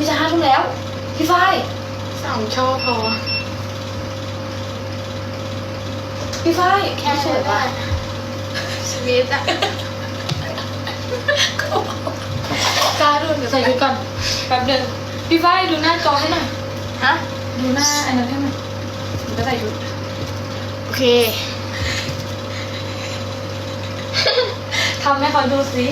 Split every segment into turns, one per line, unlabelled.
พี่จะ5 ทุ่มแล้วพี่ฝ้าย
2 ช่อพอ
พี่ฝ้ายแค่สวยป่ะ
ชีวิตอะ
กล้าดูเดี๋ยวใส่ชุดก่อนแป๊บเดินพี่ฝ้ายดูหน้าจอให้หน่อย
ฮะ
ดูหน้าอันนั้นให้หน่อยหนูจะใส่ชุด
โอเค
ทำให้เขาดูสิ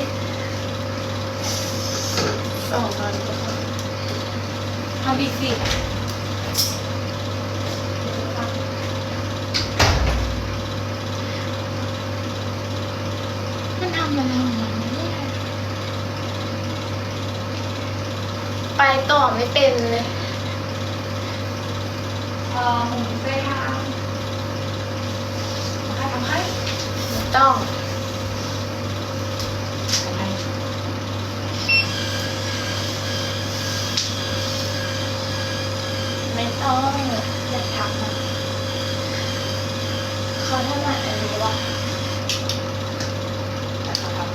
ส่งตอนนี้
ทำอีกสิ
มันทำอะไรของมันเนี่ยไปต่อไม่เป็นเลย
หมุนเส้นทางทำให้
ไม่ต้อง
ทำให้
ไม่ต้อง
อยากทำนะ
เขาถนัดอันนี้วะ
แต่เขาทำ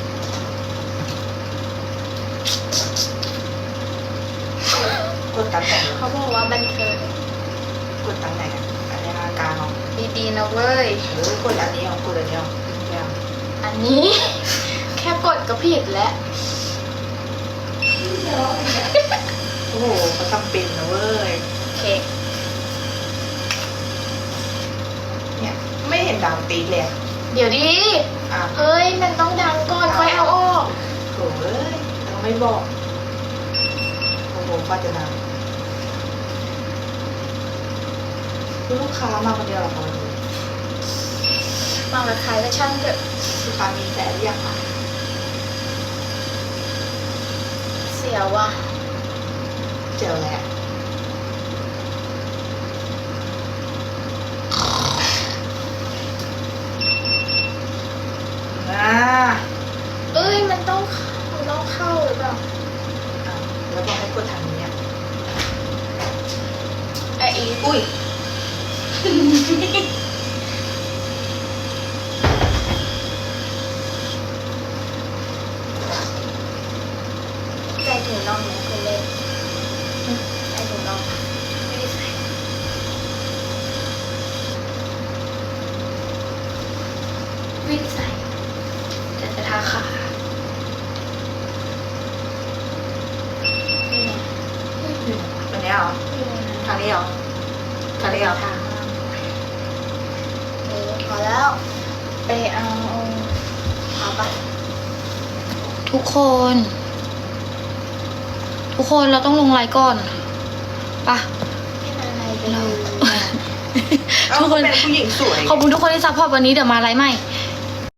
กดตำแหน่ง
เขาบอกว่าบันเทิง
กดตำแหน่งอันนี้กลางเอา
ดีๆนะเว้ย
กดอันนี้เอากดอันนี้เอาไม่เอา
อันนี้ แค่กดก็ผิดแล้ว
โอ้โหเขาทำเป็นนะเว้ย
โอเค
เนี่ยไม่เห็นดังตีเลยอะ
เดี๋ยวดี
อ่ะ
เฮ้ย มันต้องดังก่อนค่อยเอาออก
โถ่เอ้ยเราไม่บอกโอ้โหก็จะดังลูกค้ามาคนเดียวเหรอคะวันนี้
มากับใครก็ช่างเถอะ
ลูกค้ามีแต่หรือยังคะ
เสียว่ะ
เจอแล้วอ่า
เอ้ย มันต้องเข้าหรือเปล่า
อ่ะแล้วบอกให้กดทางนี้อ่ะ
ไอ้อี
อุ้ย
ใจถึงน้องไหมคุณเล่นใจถึงน้องไม่ได้ใส่ไม่ได้ใส่แต่จะทาขานี่ไง
วันนี้เหรอ
นี่ไง
ทางนี้เหรอทางนี้เหรอ
ทางพอแล้ว ไปเอาปะ
ทุกคนเราต้องลงไลน์ก่อนปะ
ไม่นานไรไป
เรา
เลย
ทุกคน
เป็นผู้หญิงสวย
ขอบคุณทุกคนที่ซัพพอร์ตวันนี้เดี๋ยวมาไลฟ์ใหม่